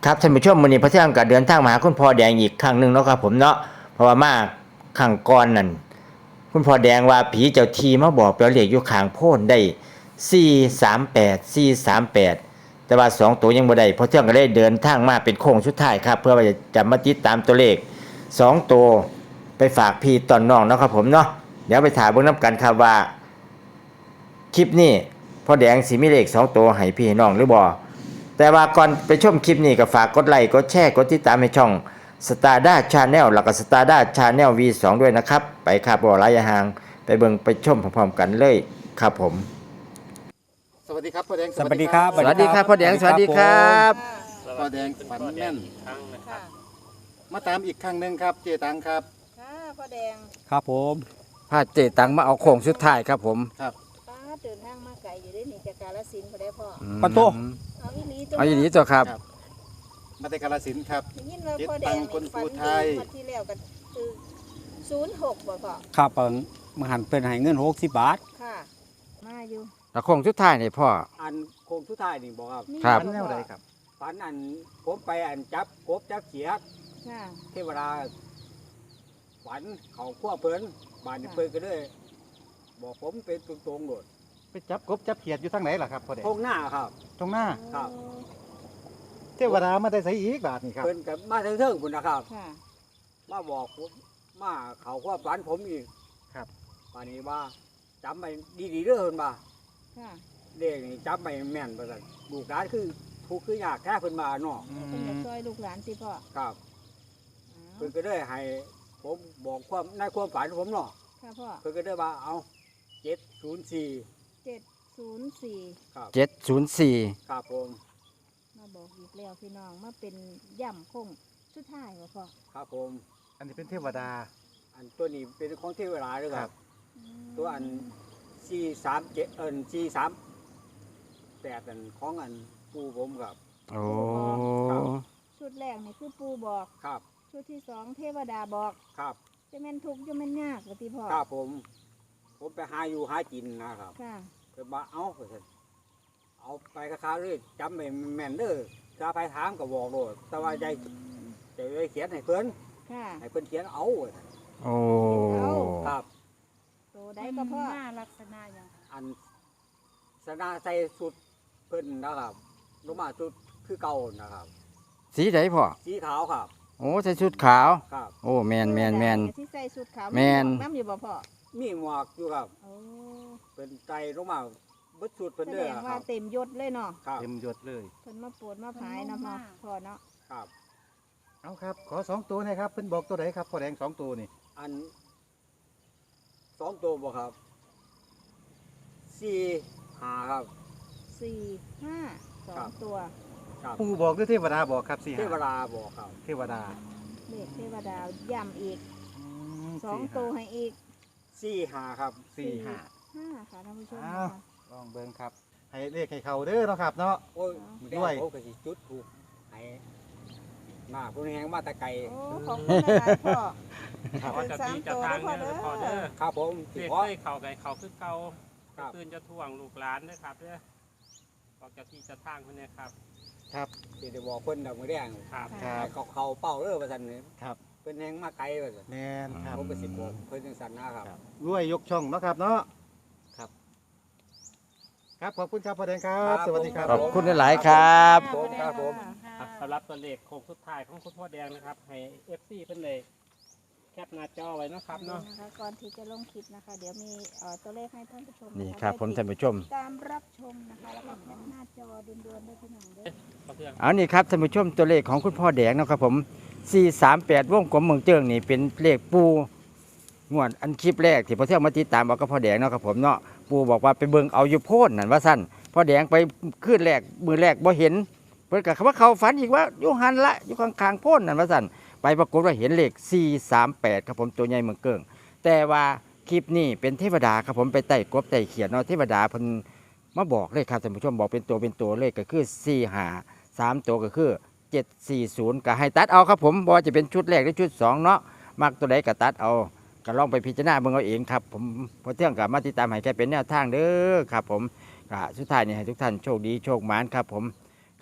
ครับท่านผู้ชมวันนี้พระเที่ยงก็เดินทางมาหาคุณพ่อแดงอีกครั้งหนึ่งเนาะครับผมเนาะเพราะว่ามาข้างก่อนนั่นคุณพ่อแดงว่าผีเจ้าทีมาบอกเราเลขอยู่ข้างโพ้นได้438แต่ว่า2ตัวยังบ่ได้พอเที่ยงก็เลยเดินทางมาเป็นโค้งสุดท้ายครับเพื่อว่าจะมาติดตามตัวเลข2ตัวไปฝากพี่ตอนน้องเนาะครับผมเนาะเดี๋ยวไปถามเบิ่งนํกันครับว่าคลิปนี้พ่อแดงสิมีเลข2ตัวให้พี่ให้น้องหรือบ่แต่ว่าก่อนไปชมคลิปนี้ก็ฝากกดไลค์กดแชร์กดติดตามให้ช่อง Stada Channel แล้วก็ Stada Channel V2 ด้วยนะครับไปครับบ่หลายห่างไปเบิ่งไปชมพร้อมๆกันเลยครับผมสวัสดีครับพ่อแดงสวัสดีครับสวัสดีครับพ่อแดงสวัสดีครับพ่อแดงฝันแม่นค่ะมาตามอีกครั้งหนึ่งครับเจตังครับค่ะพ่อแดงครับผมพาเจตังมาเอาโค้งสุดท้ายครับผมครับป้าเดินทางมาไกลอยู่ได้หนีจากกาฬสินธุ์พอได้พ่อปะโตเอาอีหลีตัวเอาอย่างนี้ตัวครับมาแต่กาฬสินธุ์ครับได้ยินว่าพ่อแดงเจ็ดตังค์คนภูไทยฝันดีงวดที่แล้วกันคือ06บ่พ่อครับมาหันเป็นให้เงิน60 บาทค่ะ มาอยู่แล้วโค้งสุดท้ายนี่พ่ออันโคงสุดท้ายนี่บอกครับมีครับฝันแนวใดครับฝันอันผมไปอันจับกบจับเขียดค่ะเทวดาฝันเขาขั้วเพิ่นบานนี้เพิ่นก็เลยบอกผมเป็นตรงๆโดดไปจับกบจับเขียดอยู่ทางไหนล่ะครับพ่อแดงทงหน้าครับตรงหน้าครับโอ้เทวดามาได้ใส่อีกบาทนี่ครับเพิ่นกับมาเทิงๆพุ่นนะครับค่ะมาบอกผมมาเขาขั้วฝันผมอีกครับบานนี้ว่าจำไปดีๆเด้อเพิ่นว่าค่ะเลขนี่จำไปแม่นว่าซั่นลูกหลานคือทุกข์คือยากแท้เพิ่นมาเนาะเพิ่นจะช่วยลูกหลานสิพ่อครับอ้าวเพิ่นก็ได้ให้ผมบอกความในความฝันผมเนาะค่ะพ่อเพิ่นก็ได้ว่าเอา704 704 ครับ 704 ครับผมมาบอกอีกแล้วพี่น้องมาเป็นย่ำคงสุดท้ายบ่พ่อครับผมอันนี้เป็นเทวดาอันตัวนี้เป็นของเทวดาด้วยคครัรับบตัวอัน437438อันของอันปู่ผมครับโอ้ชุดแรกนี่คือปูบอกครับชุดที่สองเทวดาบอกครับจะแม่นทุกข์จะแม่นยากว่าติพ่อครับผมไปหาอยู่หากินนะครับค่ะเพิ่นว่าเอาเพิ่นเอาไปค้าๆเลยจำไปแม่นเด้อถ้าไปถามก็บอกโลดแต่ว่าใจได้เขียนให้เพิ่นค่ะให้เพิ่นเขียนเอาว่าซั่นโอ้ครับโตได้ก็พ่อลักษณะอย่างอันสนาใส่สุดเพิ่นนะครับลงมาสุดคือเก่านะครับสีไหนพ่อสีขาวครับโอ้ใส่ชุดขาวครับโอ้แมนที่ใส่สุดขาวแม่นน้ำอยู่บ่พ่อมีหมวกอยู่ครับโอ้เป็นใจลงมาเบิดสุดเพิ่นแสเด้ดอง คว่ารับเต็มยศเลยเนาะครับเต็มยศเลยเพิ่นมาปวดมาผายเนาะพ่อเนาะครับเอาครับขอสองตัวหนะครับเพิ่นบอกตัวไหนครับพ่อแดงสองตัวนี่อัน2ตัวบ่ครับ4 5ครับ 4 5 ครับ 2ตัวครับปู่บอกหรือเทวดาบอกครับสี่เทวดาบอกครับเทวดาเลขเทวดาย่ำอีกอืม 2ตัวให้อีก 4 5ครับสี่ห้า 5ค่ะท่านผู้ชมอ้าวนะคะลองเบิ่งครับให้เลขให้เขาเด้อเนาะครับเนาะโอ้ยด้วยผมก็สิจุดถูกให้มาผู้แหงมาแตะไกลโอ้ของคุณหลายๆพ่อว่าจะมีจะทางเด้อพอเด้อครับผมสิเรียกขอเคยเข่าไก่เข่าคือเก่าครับคืนจะท่วงลูกหลานนะครับเด้อออกจากที่จะทางคนนี้ครับครับสิได้บอกเพิ่นดอกมื้อแดงครับครับให้เขาเป้าเด้อว่าซั่นนี่ครับเพิ่นแหงมาไกลว่าซั่นแมนครับผมก็สิบอกเพิ่นจังซั่นนะครับรวยยกช่องเนาะครับเนาะครับ ครับขอบคุณครับพ่อแดงครับ สวัสดีครับขอบคุณหลายๆครับผมครับผมครับสำหรับตัวเลขโค้งสุดท้ายของคุณพ่อแดงนะครับ ให้ FC เพิ่นเลยแคปหน้าจอไว้เนาะครับเนาะนะคะก่อนที่จะลงคลิปนะคะ เดี๋ยวมีตัวเลขให้ท่านผู้ชมนี่ะะครับผมได้ท่านผู้ชมตามรับชมนะคะแล้วก็แคปหน้าจอด่วนๆได้พี่น้องเด้อขอเพื่อนเอานี่ครับท่านผู้ชมตัวเลขของคุณพ่อแดงเนาะครับผม438วงกลมเมืองเจิงนี่เป็นเลขปูงวดอันคลิปแรกที่พ่อเที่ยวมาติดตามเอากับพ่อแดงเนาะครับผมเนาะปูบอกว่าไปเบิ่งเอาอยู่โพนนั่นว่าสั้นพ่อแดงไปขึ้นแรกมือแรกบ่เห็นเพิ่นก็ว่าเขาฝันอีกว่าอยู่หันละอยู่ข้างๆโพนนั่นว่าสั้นไปปรากฏว่าเห็นเลข438ครับผมตัวใหญ่เมืองเกิงแต่ว่าคลิปนี้เป็นเทวดาครับผมไปไต่กบไต่เขียนเนาะเทวดาเพิ่นมาบอกเลยครับท่านผู้ชมบอกเป็นตัวเลขก็คือ4 3ตัวก็คือ740ก็ให้ตัดเอาครับผมบ่ว่าจะเป็นชุดแรกหรือชุด2เนาะมักตัวใดก็ตัดเอาก็ลองไปพิจารณาเบิ่งเอาเองครับผมพอเที่ยงกับมาติดตามให้แค่เป็นแนวทางเด้อครับผมก็สุดท้ายนี่ให้ทุกท่านโชคดีโชคหมานครับผมก็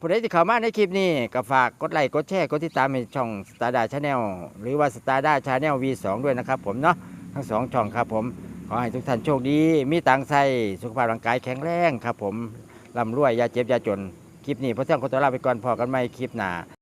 ผู้ใดที่เข้ามาในคลิปนี้ก็ฝากกดไลค์กดแชร์กดติดตามในช่อง Stardar Channel หรือว่า Stardar Channel V2 ด้วยนะครับผมเนาะทั้งสองช่องครับผมขอให้ทุกท่านโชคดีมีตังค์ใส่สุขภาพร่างกายแข็งแรงครับผมร่ำรวยอย่าเจ็บอย่าจนคลิปนี้พระเจ้าขอตัวลาไปก่อนพอกันใหม่คลิปหน้า